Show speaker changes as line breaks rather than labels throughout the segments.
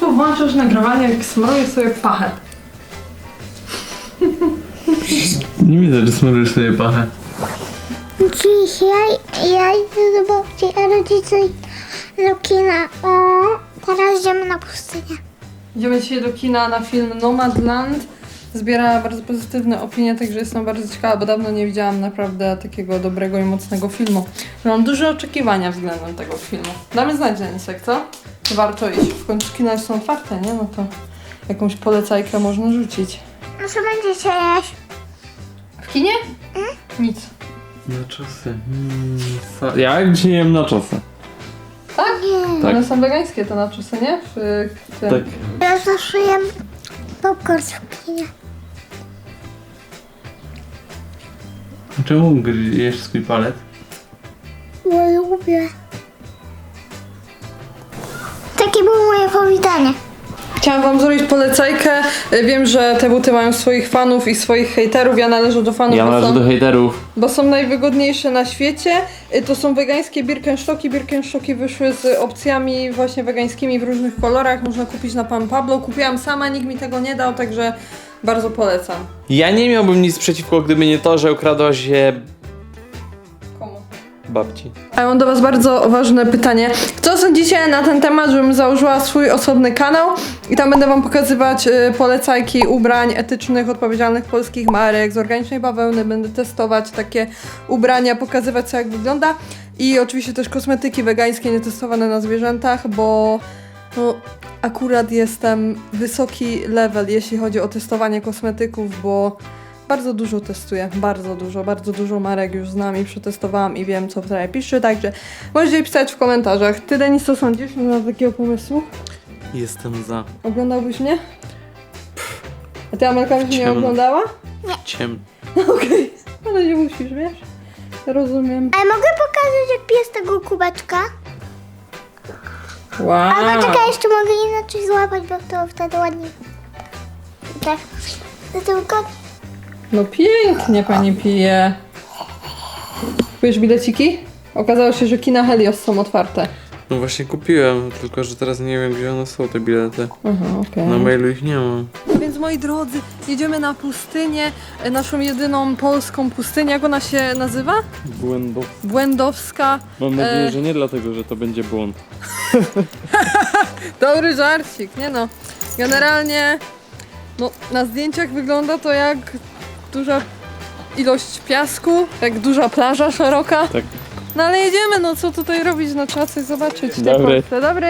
Łatwo włączasz nagrywanie, jak smroję sobie pachę.
Nie widzę, że smurujesz sobie pachę.
Dzisiaj ja idę do babci, a rodzice do kina. O, teraz idziemy na pustynię.
Idziemy dzisiaj do kina na film Nomadland. Zbiera bardzo pozytywne opinie, także jestem bardzo ciekawa, bo dawno nie widziałam naprawdę takiego dobrego i mocnego filmu. Mam duże oczekiwania względem tego filmu. Damy znać, Denisek, co? Warto iść. W końcu kina już są otwarte, nie? No to jakąś polecajkę można rzucić.
No co będziecie jeść?
W kinie? Nic.
Naczosy. Ja jak dzisiaj jem naczosy.
Tak?
Tak.
One są wegańskie te naczosy, nie? W tym.
Tak.
Ja zawsze jem popcorn w kinie.
Czemu jesz swój palec?
Bo lubię. Takie było moje powitanie.
Chciałam wam zrobić polecajkę. Wiem, że te buty mają swoich fanów i swoich hejterów. Ja należę do fanów,
Ja należę do hejterów.
bo są najwygodniejsze na świecie. To są wegańskie Birkenstocki. Birkenstocki wyszły z opcjami właśnie wegańskimi w różnych kolorach. Można kupić na Pan Pablo. Kupiłam sama, nikt mi tego nie dał, także bardzo polecam.
Ja nie miałbym nic przeciwko, gdyby nie to, że ukradłaś je
Komu?
babci.
A ja mam do was bardzo ważne pytanie. Co sądzicie na ten temat, żebym założyła swój osobny kanał i tam będę wam pokazywać polecajki ubrań etycznych, odpowiedzialnych polskich marek z organicznej bawełny. Będę testować takie ubrania, pokazywać co jak wygląda i oczywiście też kosmetyki wegańskie nietestowane na zwierzętach, bo no, akurat jestem wysoki level, jeśli chodzi o testowanie kosmetyków, bo bardzo dużo testuję, bardzo dużo marek już znam i przetestowałam i wiem co wtedy pisze, także możecie pisać w komentarzach. Ty, Denis, co sądzisz na takiego pomysłu?
Jestem za.
Oglądałbyś mnie? A ty, Amelka, byś mnie
Ciemno.
oglądała?
Ciem.
Okej, ale nie musisz, wiesz? Rozumiem.
Ale mogę pokazać jak pies tego kubeczka?
Wow.
Albo czekaj, jeszcze mogę inaczej złapać, bo to wtedy ładnie. Tak. To tylko...
No pięknie pani pije. Kupujesz bileciki? Okazało się, że kina Helios są otwarte.
No właśnie kupiłem, tylko że teraz nie wiem, gdzie one są, te bilety.
Aha, okej.
Na mailu ich nie mam.
Więc moi drodzy, jedziemy na pustynię, naszą jedyną polską pustynię. Jak ona się nazywa?
Błędów.
Błędowska.
Mam nadzieję, że nie dlatego, że to będzie błąd.
Dobry żarcik, nie no. Generalnie, no na zdjęciach wygląda to jak duża ilość piasku, jak duża plaża szeroka.
Tak.
No ale jedziemy, no co tutaj robić, no trzeba coś zobaczyć. w tej
Dobry.
Polsce. Dobry.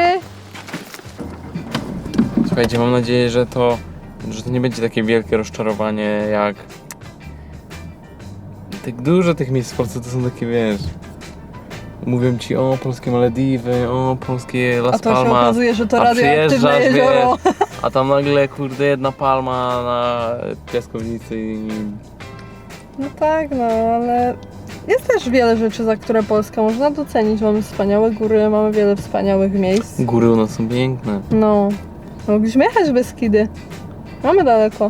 Słuchajcie, mam nadzieję, że to nie będzie takie wielkie rozczarowanie jak... Tak dużo tych miejsc w Polsce to są takie, wiesz... Mówią ci o polskie Malediwy, o polskie Las
A to się
Palmas.
okazuje, że to
a
radioaktywne
przyjeżdżasz,
jezioro.
wiesz, a tam nagle kurde jedna palma na piaskownicy i...
No tak, no ale jest też wiele rzeczy, za które Polska można docenić. Mamy wspaniałe góry, mamy wiele wspaniałych miejsc.
Góry u nas są piękne.
No, mogliśmy jechać w Beskidy. Mamy daleko.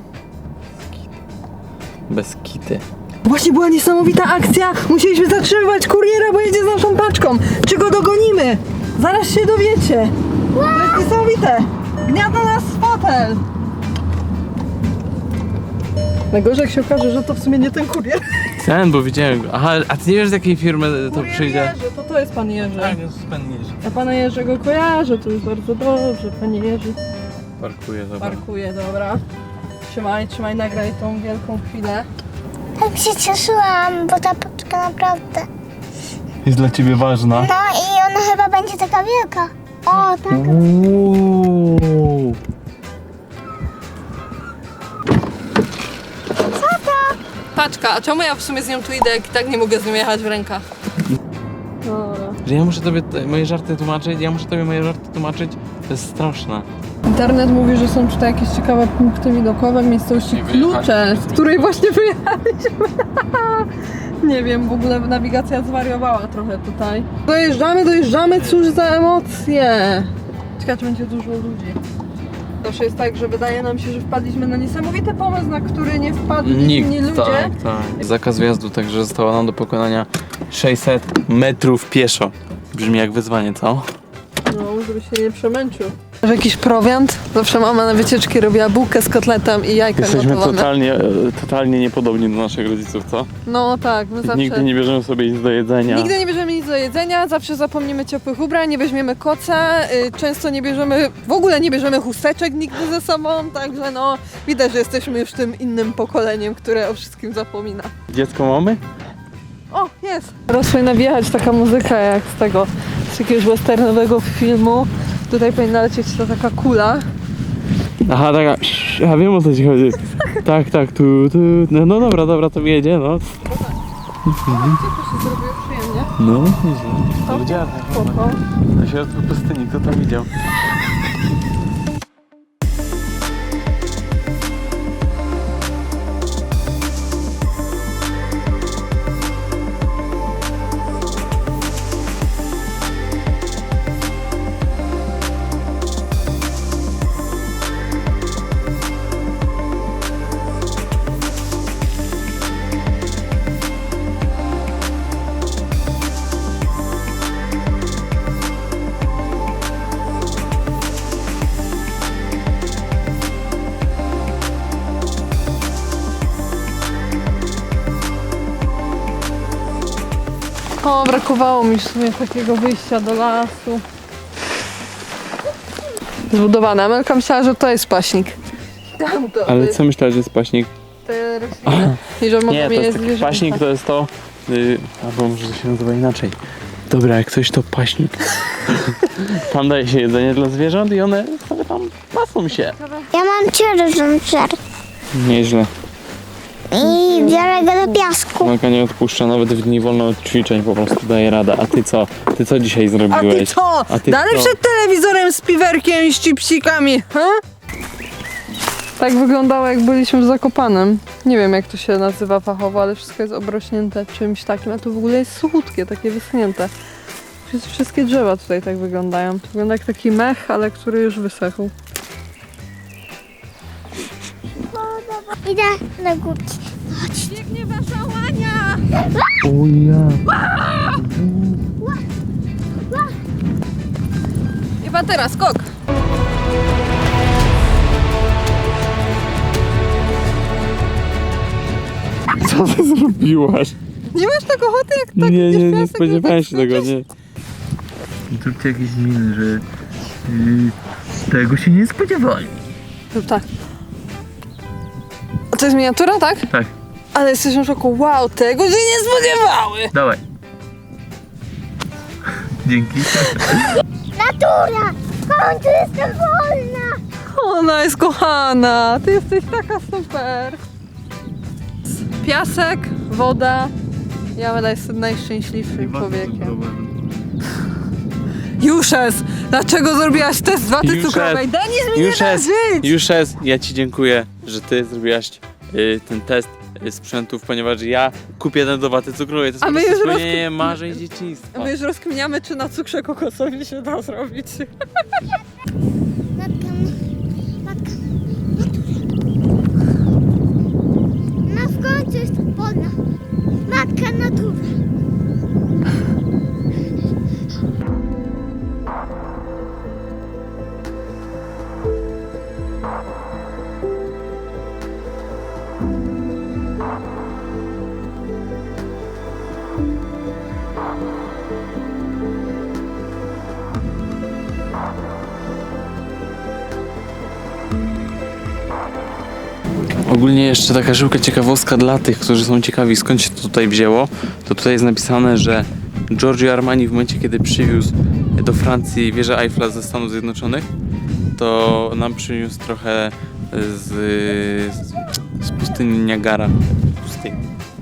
Bez kity.
Właśnie była niesamowita akcja. Musieliśmy zatrzymywać kuriera, bo jedzie z naszą paczką. Czy go dogonimy? Zaraz się dowiecie. To jest niesamowite. Gniata nas w fotel. Najgorzej jak się okaże, że to w sumie nie ten kurier.
Ten, bo widziałem go. Aha, a ty nie wiesz z jakiej firmy to
Kurier
przyjdzie?
Jerzy, to jest pan Jerzy.
jest pan Jerzy.
Ja pana Jerzego kojarzę, to już bardzo dobrze. Panie Jerzy
Parkuje, dobra.
parkuje, dobra. Trzymaj, nagraj tą wielką chwilę.
Tak się cieszyłam, bo ta paczka naprawdę...
Jest dla ciebie ważna.
No i ona chyba będzie taka wielka. O, tak.
Uuu.
Paczka, a czemu ja w sumie z nią tu idę, jak i tak nie mogę z nią jechać w rękach? Dobra.
Że ja muszę tobie moje żarty tłumaczyć, to jest straszne.
Internet mówi, że są tutaj jakieś ciekawe punkty widokowe w miejscowości Klucze, z której właśnie wyjechaliśmy. Nie wiem, w ogóle nawigacja zwariowała trochę tutaj. Dojeżdżamy, cóż za emocje. Ciekawe, czy będzie dużo ludzi. Zawsze jest tak, że wydaje nam się, że wpadliśmy na niesamowity pomysł, na który nie wpadli inni ludzie.
Tak. Zakaz wjazdu, także zostało nam do pokonania 600 metrów pieszo. Brzmi jak wyzwanie, co?
No, żeby się nie przemęczył. Masz jakiś prowiant? Zawsze mama na wycieczki robiła bułkę z kotletem i jajka
Jesteśmy
gotowane.
totalnie niepodobni do naszych rodziców, co?
No tak, my zawsze...
Nigdy nie bierzemy sobie nic do jedzenia.
Nigdy nie bierzemy nic do jedzenia, zawsze zapomnimy ciepłych ubrań, nie weźmiemy koca, często nie bierzemy, w ogóle nie bierzemy chusteczek nigdy ze sobą, także no widać, że jesteśmy już tym innym pokoleniem, które o wszystkim zapomina.
Dziecko mamy?
O, jest! Teraz powinna wjechać taka muzyka jak z jakiegoś westernowego filmu. Tutaj powinna lecieć ta taka kula.
Aha, taka, ja wiem o co ci chodzi. Tak, tu. No dobra, to jedzie, no.
To się zrobiło przyjemnie.
No, nieźle.
To
Widziałem,
spoko.
na środku pustyni, kto tam widział?
O, brakowało mi w sumie takiego wyjścia do lasu. Zbudowane. Amelka myślała, że to jest paśnik. Tam to
Ale
jest
co myślałeś, że jest paśnik?
te rośliny. I że mogą
Nie, to
je
jest taki
zwierzęta.
paśnik, to jest to... albo może to się nazywa inaczej. Dobra, jak coś to paśnik. Tam daje się jedzenie dla zwierząt i one sobie tam pasą się.
Ja mam ciężar
Nieźle.
i biorę go do piasku.
Malka nie odpuszcza nawet w dni wolno od ćwiczeń, po prostu daje radę. A ty co? Ty co dzisiaj
A
zrobiłeś?
ty co?
A ty
Dalej
co?
przed telewizorem z piwerkiem i z chipsikami, ha? Tak wyglądało jak byliśmy w Zakopanem. Nie wiem jak to się nazywa fachowo, ale wszystko jest obrośnięte czymś takim, a to w ogóle jest suchutkie, takie wyschnięte. Wszystkie drzewa tutaj tak wyglądają. To wygląda jak taki mech, ale który już wysechł.
Idę na górki.
Biegnie wasza łania!
O ja.
Chyba teraz, skok!
Co ty zrobiłaś?
Nie masz tak ochoty jak tak
nie,
idziesz
nie
piasek,
spodziewałem
jak
się tego, nie. Zróbcie jakieś miny, że tego się nie spodziewali.
Tak. A to jest miniatura, tak?
Tak,
Ale jesteśmy w szoku. Wow, tego się nie spodziewały!
dawaj. Dzięki.
Natura! W końcu jestem wolna!
Ona jest kochana! Ty jesteś taka super! Piasek, woda. Ja jestem najszczęśliwszym człowiekiem. Juszes! Dlaczego zrobiłaś test waty
Juszes,
cukrowej? Denis mi nie da żyć!
Juszes, ja ci dziękuję, że ty zrobiłaś ten test sprzętów, ponieważ ja kupię ten do waty cukrowej. To jest
A
po
my
prostu
już
spełnienie marzeń dzieciństwa.
My już rozkminiamy, czy na cukrze kokosowym się da zrobić.
Matka, matka, no w końcu jestem wolna. Matka natura.
Ogólnie jeszcze taka szybka ciekawostka dla tych, którzy są ciekawi, skąd się to tutaj wzięło. To tutaj jest napisane, że Giorgio Armani w momencie, kiedy przywiózł do Francji wieżę Eiffla ze Stanów Zjednoczonych, to nam przyniósł trochę z pustyni Niagara. Pustyni.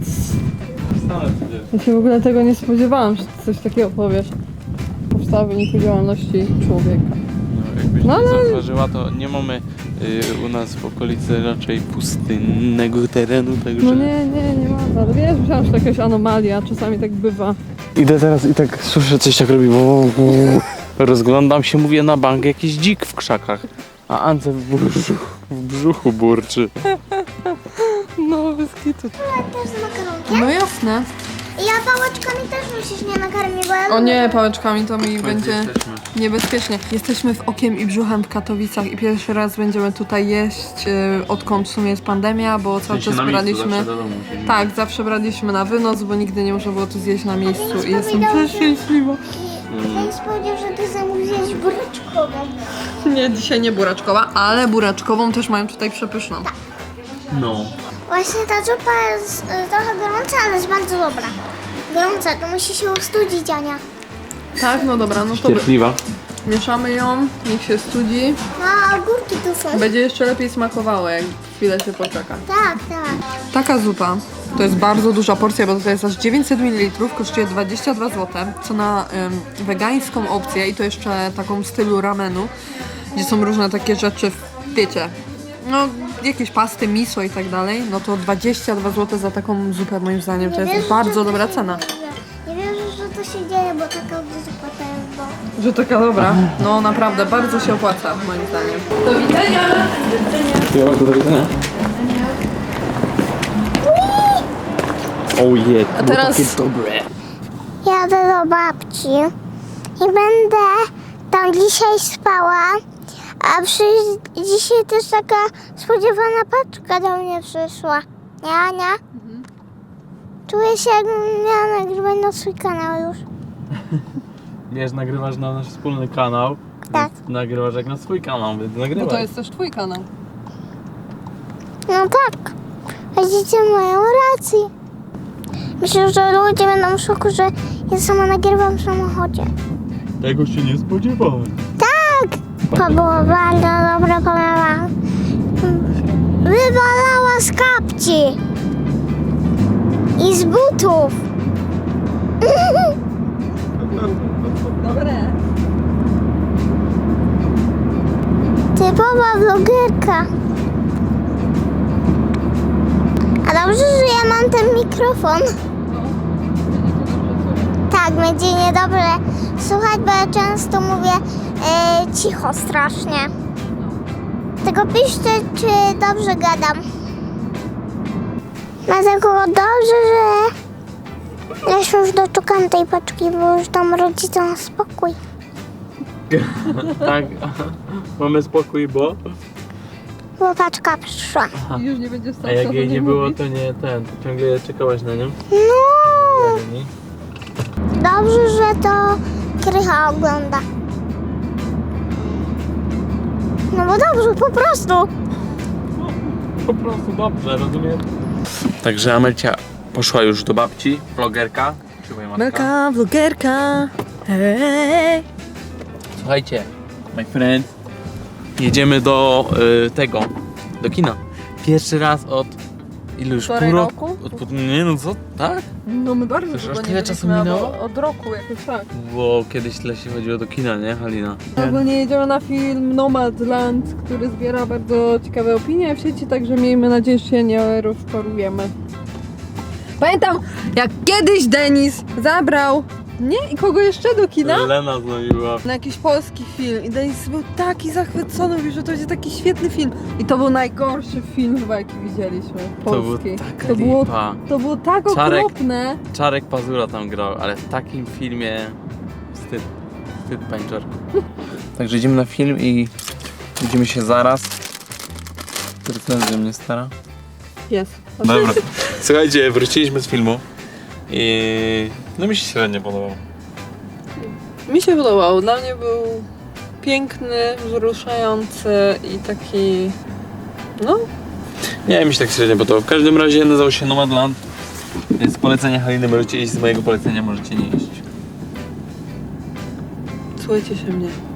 Ja się w ogóle tego nie spodziewałam, że ty coś takiego powiesz. Powstała w wyniku działalności człowieka.
No, jakbyś
No,
nie
ale-
zauważyła, to nie mamy u nas w okolicy raczej pustynnego terenu, także...
No nie ma. Ale wiesz, myślałam, że to jakaś anomalia, czasami tak bywa.
Idę teraz i tak słyszę, coś tak robi. Rozglądam się, mówię na bank, jakiś dzik w krzakach. A Ance w brzuchu burczy.
No, bez kitu.
Też z makaronkiem.
No jasne.
Ja pałeczkami też musisz mnie nakarmić, bo ja
O nie, pałeczkami to mi będzie...
Jesteśmy.
niebezpiecznie. Jesteśmy w Okiem i Brzuchem w Katowicach i pierwszy raz będziemy tutaj jeść, odkąd w sumie jest pandemia, bo cały czas braliśmy... Tak, zawsze braliśmy na wynos, bo nigdy nie można było tu zjeść na miejscu i jestem przeszczęśliwa.
Ktoś powiedział, że ty zamówiłeś buraczkową.
Nie, dzisiaj nie buraczkowa, ale buraczkową też mają tutaj przepyszną.
No.
Właśnie ta zupa jest trochę gorąca, ale jest bardzo dobra. Gorąca, to musi się ustudzić, Ania.
Tak, no dobra, no to
Cierpliwa.
mieszamy ją, niech się studzi.
No, a ogórki tu są.
Będzie jeszcze lepiej smakowało, jak chwilę się poczeka.
Tak, tak.
Taka zupa to jest bardzo duża porcja, bo to jest aż 900 ml, kosztuje 22 zł, co na wegańską opcję i to jeszcze taką w stylu ramenu, gdzie są różne takie rzeczy, wiecie, no jakieś pasty, miso i tak dalej, no to 22 zł za taką zupę moim zdaniem to jest bardzo dobra cena.
Nie wierzę, że to się dzieje, bo taka zupa to jest bo...
Że taka dobra, no naprawdę bardzo się opłaca moim zdaniem. Do widzenia!
Do widzenia. Ojej,
A teraz
dobre.
Jadę do babci i będę tam dzisiaj spała, a dzisiaj też taka spodziewana paczka do mnie przyszła. Nie, Ania? Czuję się, jakbym miała nagrywać na swój kanał już.
Wiesz, nagrywasz na nasz wspólny kanał.
Tak.
Więc nagrywasz jak na swój kanał, więc
no
nagrywaj.
to jest też twój kanał.
No tak, widzicie, mają rację. Myślę, że ludzie będą w szoku, że ja sama nagrywam w samochodzie.
Tego się nie spodziewałem.
Tak! To było bardzo dobre, powiem wam. Wywalała z kapci. I z butów.
Dobre.
Typowa vlogerka. A dobrze, że ja mam ten mikrofon. Tak, będzie niedobrze słuchać, bo ja często mówię cicho strasznie. Tylko piszcie, czy dobrze gadam. Dlatego dobrze, że ja się już doczekam tej paczki, bo już dam rodzicom spokój.
Tak, mamy spokój, bo...
Bo paczka przyszła.
Już nie będzie stał
A jak jej nie było, to nie ten, to ciągle czekałaś na nią?
No, dobrze, że to Krycha ogląda. No bo dobrze, po prostu.
Po prostu dobrze, rozumiem. Także Amelcia poszła już do babci, vlogerka. Trzymaj matka.
Melka, vlogerka. Hej.
Słuchajcie, my friend, jedziemy do do kina. Pierwszy raz od ilu już?
Półtorej
Pół
roku?
Nie no co, tak?
No my bardzo
Już
długo
aż
nie
tyle czasu
byliśmy,
minęło?
albo od roku jakoś tak.
Bo kiedyś tyle się chodziło do kina, nie Halina?
Ogólnie jedziemy na film Nomadland, który zbiera bardzo ciekawe opinie w sieci, także miejmy nadzieję, że się nie rozczarujemy. Pamiętam, jak kiedyś Denis zabrał mnie i kogo jeszcze do kina?
Lena z nami była.
Na jakiś polski film i Denis był taki zachwycony, mówił, że to będzie taki świetny film. I to był najgorszy film chyba, jaki widzieliśmy, polski.
To było taka lipa.
To było tak
Czarek.
okropne.
Czarek Pazura tam grał, ale w takim filmie wstyd, panie Czarku. Także idziemy na film i widzimy się zaraz. Recenzja mnie stara.
Jest.
Dobra. Słuchajcie, wróciliśmy z filmu i no mi się średnio podobał.
Mi się podobał. Dla mnie był piękny, wzruszający i taki... No,
Nie, mi się tak średnio podobał. W każdym razie nazywał się Nomadland. Więc polecenie Haliny możecie iść, z mojego polecenia możecie nie iść.
słuchajcie się mnie.